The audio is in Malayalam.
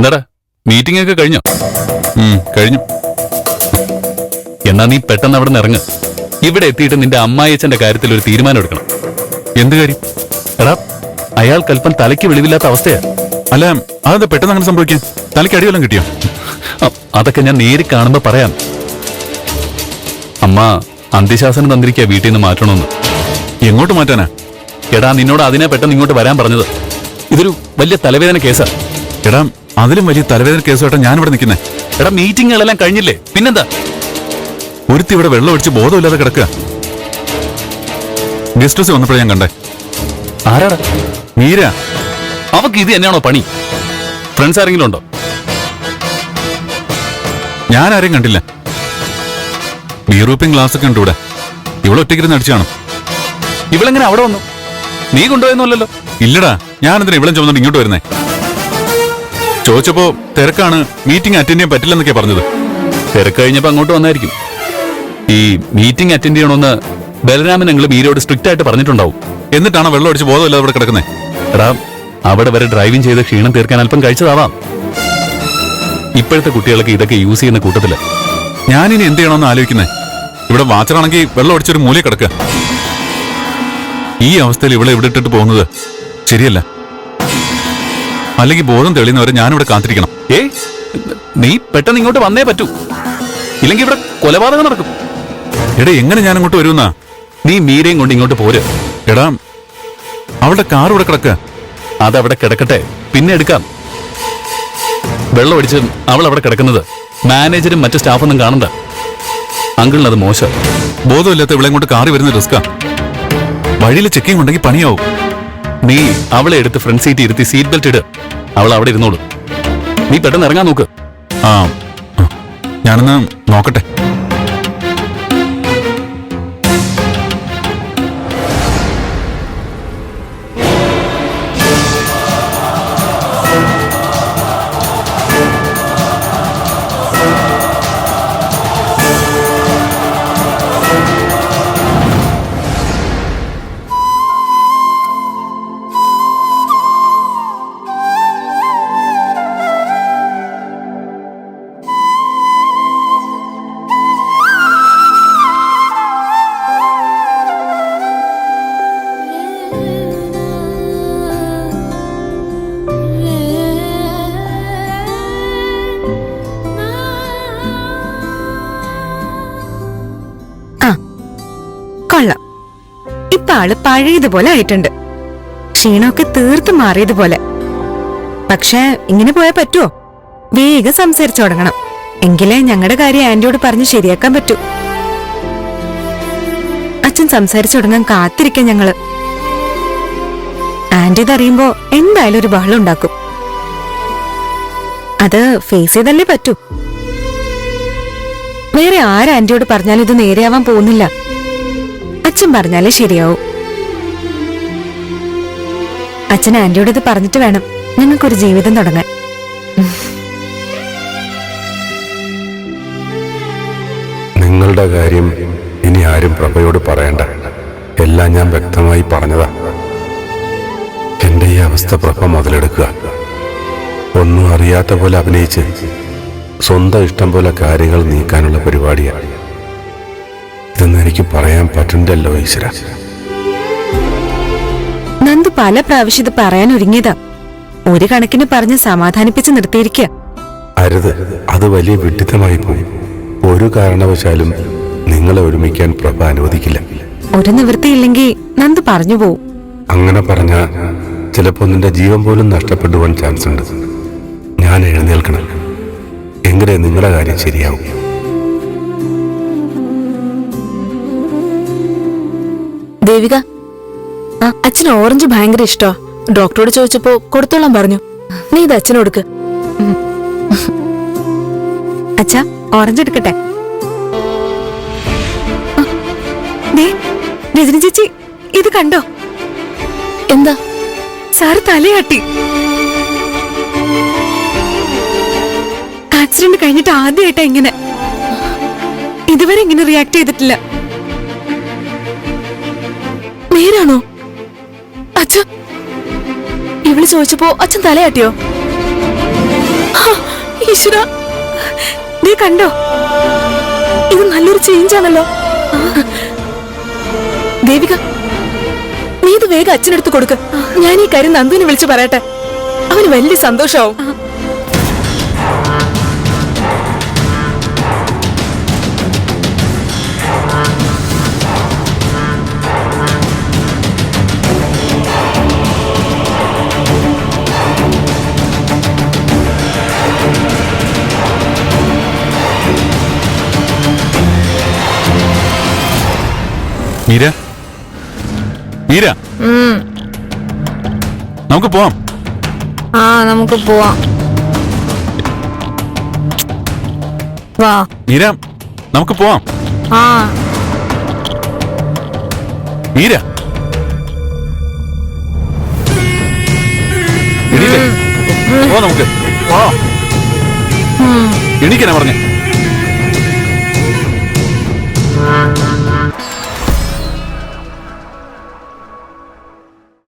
എന്താടാ മീറ്റിംഗ് ഒക്കെ കഴിഞ്ഞോ? കഴിഞ്ഞു. എന്നാ നീ പെട്ടെന്ന് അവിടെ നിന്ന് ഇറങ്ങ്. ഇവിടെ എത്തിയിട്ട് നിന്റെ അമ്മായിയച്ഛന്റെ കാര്യത്തിൽ ഒരു തീരുമാനം എടുക്കണം. എന്ത് കാര്യം? എടാ അയാൾക്ക് അല്പം തലയ്ക്ക് വെളിവില്ലാത്ത അവസ്ഥയാ. അല്ല, അതെന്താ പെട്ടെന്ന് അങ്ങനെ സംഭവിക്കാൻ? തലയ്ക്ക് അടിവെല്ലാം കിട്ടിയോ? അതൊക്കെ ഞാൻ നേരി കാണുമ്പോ പറയാം. അമ്മ അന്ത്യശാസനം തന്നിരിക്കുക വീട്ടിൽ നിന്ന് മാറ്റണമെന്ന്. എങ്ങോട്ട് മാറ്റാനാ? എടാ നിന്നോട് അതിനെ പെട്ടെന്ന് ഇങ്ങോട്ട് വരാൻ പറഞ്ഞത്. ഇതൊരു വലിയ തലവേദന കേസാ. എടാ അതിലും വലിയ തലവേദന കേസുമായിട്ടാ ഞാനിവിടെ നിൽക്കുന്നേ. എടാ മീറ്റിങ്ങുകളെല്ലാം കഴിഞ്ഞില്ലേ, പിന്നെന്താ? ഒരുത്തി ഇവിടെ വെള്ളം ഒഴിച്ച് ബോധമില്ലാതെ കിടക്കുക. ഗസ്റ്റ് ഹൗസ് വന്നപ്പോഴേ ഞാൻ കണ്ടേ. ആരാടാ? മീര. അവക്ക് ഇത് തന്നെയാണോ പണി? ഫ്രണ്ട്സ് ആരെങ്കിലും ഉണ്ടോ? ഞാൻ ആരെയും കണ്ടില്ല. ബീറൂപ്പിംഗ് ഗ്ലാസ് ഒക്കെ ഉണ്ട് ഇവിടെ. ഇവിടെ ഒറ്റയ്ക്കിരുന്ന് അടിച്ചാണോ? ഇവളെങ്ങനെ അവിടെ വന്നു? നീ കൊണ്ടുപോയെന്നല്ലോ. ഇല്ലടാ, ഞാനെന്തിനാ ഇവളും ചുമന്നിട്ട് ഇങ്ങോട്ട് വരുന്നേ? ചോദിച്ചപ്പോ തിരക്കാണ്, മീറ്റിംഗ് അറ്റൻഡ് ചെയ്യാൻ പറ്റില്ലെന്നൊക്കെ പറഞ്ഞത്. തിരക്ക് കഴിഞ്ഞപ്പോ അങ്ങോട്ട് വന്നായിരിക്കും. ഈ മീറ്റിംഗ് അറ്റൻഡ് ചെയ്യണമെന്ന് ബലരാമൻ ഞങ്ങൾ മീരയോട് സ്ട്രിക്റ്റ് ആയിട്ട് പറഞ്ഞിട്ടുണ്ടാവും. എന്നിട്ടാണ് വെള്ളം അടിച്ച് ബോധമില്ലാതെ ഇവിടെ കിടക്കുന്നേ. എടാ അവിടെ വരെ ഡ്രൈവിംഗ് ചെയ്ത് ക്ഷീണം തീർക്കാൻ അല്പം കഴിച്ചതാവാം. ഇപ്പോഴത്തെ കുട്ടികൾക്ക് ഇതൊക്കെ യൂസ് ചെയ്യുന്ന കൂട്ടത്തില്. ഞാനിനി എന്ത് ചെയ്യണമെന്ന് ആലോചിക്കുന്നേ. ഇവിടെ വാച്ചറാണെങ്കിൽ വെള്ളം അടിച്ചൊരു മൂലയിൽ കിടക്കുക. ഈ അവസ്ഥയിൽ ഇവിടെ ഇവിടെ ഇട്ടിട്ട് പോകുന്നത് ശരിയല്ല. അല്ലെങ്കിൽ ബോധം തെളിയുന്നവരെ ഞാനിവിടെ കാത്തിരിക്കണം. നീ പെട്ടെന്ന് ഇങ്ങോട്ട് വന്നേ പറ്റൂ, ഇല്ലെങ്കിൽ ഇവിടെ കൊലപാതകം നടക്കും. എടാ എങ്ങനെ ഞാൻ അങ്ങോട്ട് വരുമെന്നാ? നീ മീരയും കൊണ്ട് ഇങ്ങോട്ട് പോര്. എടാ അവളുടെ കാർ ഇവിടെ കിടക്കുക. അതവിടെ കിടക്കട്ടെ, പിന്നെ എടുക്കാം. വെള്ളം അടിച്ച് അവൾ അവിടെ കിടക്കുന്നത് മാനേജരും മറ്റു സ്റ്റാഫൊന്നും കാണണ്ട. അങ്കിളിന് അത് മോശം. ബോധമില്ലാത്ത ഇവിടെ ഇങ്ങോട്ട് കാറി വരുന്ന റിസ്കാ. വഴിയിൽ ചെക്കിംഗ് ഉണ്ടെങ്കിൽ പണിയാവും. നീ അവളെ എടുത്ത് ഫ്രണ്ട് സീറ്റ് ഇരുത്തി സീറ്റ് ബെൽറ്റ് ഇട്. അവൾ അവിടെ ഇരുന്നോളൂ. നീ പെട്ടെന്ന് ഇറങ്ങാൻ നോക്ക്. ഞാനൊന്ന് നോക്കട്ടെ. കൊള്ളാം. ഇപ്പൊ ആള് പഴയതുപോലെ ആയിട്ടുണ്ട്. ക്ഷീണമൊക്കെ തീർത്ത് മാറിയതുപോലെ. പക്ഷെ ഇങ്ങനെ പോയാൽ പറ്റുമോ? വേഗം സംസാരിച്ചു തുടങ്ങണം. എങ്കിലേ ഞങ്ങളുടെ കാര്യം ആന്റിയോട് പറഞ്ഞ് ശരിയാക്കാൻ പറ്റൂ. അച്ഛൻ സംസാരിച്ചു തുടങ്ങാൻ കാത്തിരിക്കാൻ ഞങ്ങള്. ആന്റി ഇതറിയുമ്പോ എന്തായാലും ഒരു ബഹളം ഉണ്ടാക്കും. അത് ഫേസ് ചെയ്തല്ലേ പറ്റൂ. വേറെ ആന്റിയോട് പറഞ്ഞാലും ഇത് നേരെയാവാൻ പോകുന്നില്ല. അച്ഛൻ പറഞ്ഞാലേ ശരിയാവും. അച്ഛൻ ആന്റിയോട് ഇത് പറഞ്ഞിട്ട് വേണം ഞങ്ങൾക്കൊരു ജീവിതം തുടങ്ങാൻ. നിങ്ങളുടെ കാര്യം ഇനി ആരും പ്രഭയോട് പറയണ്ട. എല്ലാം ഞാൻ വ്യക്തമായി പറഞ്ഞതാ. എന്റെ ഈ അവസ്ഥ പ്രഭ മുതലെടുക്കുക. ഒന്നും അറിയാത്ത പോലെ അഭിനയിച്ച് സ്വന്തം ഇഷ്ടം പോലെ കാര്യങ്ങൾ നീക്കാനുള്ള പരിപാടിയാണ്. ഇതൊന്നും എനിക്ക് പറയാൻ പറ്റണ്ടല്ലോ ഈശ്വര. നന്ദു പല പ്രാവശ്യം ഇത് പറയാൻ ഒരുങ്ങിയതാ. ഒരു കണക്കിന് പറഞ്ഞ് സമാധാനിപ്പിച്ച് നിർത്തിയിരിക്കുക. അരുത്, അത് വലിയ വിഡ്ഢിത്തമായി പോയി. ഒരു കാരണവശാലും നിങ്ങളെ ഒരുമിക്കാൻ പ്രഭ അനുവദിക്കില്ല. ഒരു നിവൃത്തിയില്ലെങ്കിൽ നന്ദു പറഞ്ഞു പോവും. അങ്ങനെ പറഞ്ഞ ചിലപ്പോ നിന്റെ ജീവൻ പോലും നഷ്ടപ്പെടുവാൻ ചാൻസ് ഉണ്ട്. ഞാൻ എഴുന്നേൽക്കണം. എങ്കിലേ നിങ്ങളുടെ കാര്യം ശരിയാവും. ദേവിക, അച്ഛന് ഓറഞ്ച് ഭയങ്കര ഇഷ്ടോ. ഡോക്ടറോട് ചോദിച്ചപ്പോ കൊടുത്തോളാൻ പറഞ്ഞു. നീ ഇത് അച്ഛനോടുക്ക്. അച്ഛാ, ഓറഞ്ച് എടുക്കട്ടെ? രജനി ചേച്ചി, ഇത് കണ്ടോ? എന്താ? സാറ് തലയാട്ടി. ആക്സിഡന്റ് കഴിഞ്ഞിട്ട് ആദ്യമായിട്ടാ ഇങ്ങനെ. ഇതുവരെ ഇങ്ങനെ റിയാക്ട് ചെയ്തിട്ടില്ല. നേരാണോ? അച്ഛ, ഇവള് ചോദിച്ചപ്പോ അച്ഛൻ തലയാട്ടിയോ? ഈശ്വര, നീ കണ്ടോ? ഇത് നല്ലൊരു ചേഞ്ച് ആണല്ലോ. ദേവിക, നീ ഇത് വേഗം അച്ഛനെടുത്ത് കൊടുക്ക്. ഞാൻ ഈ കാര്യം നന്ദുവിനെ വിളിച്ചു പറയട്ടെ. അവന് വലിയ സന്തോഷാവും. മീര, മീര, നമുക്ക് പോവാം. നമുക്ക് പോവാം. വാ. മീര, നമുക്ക് പോവാം. മീര, എണീറ്റേ. പോ നമുക്ക്. എണീക്കാനാ പറഞ്ഞേ.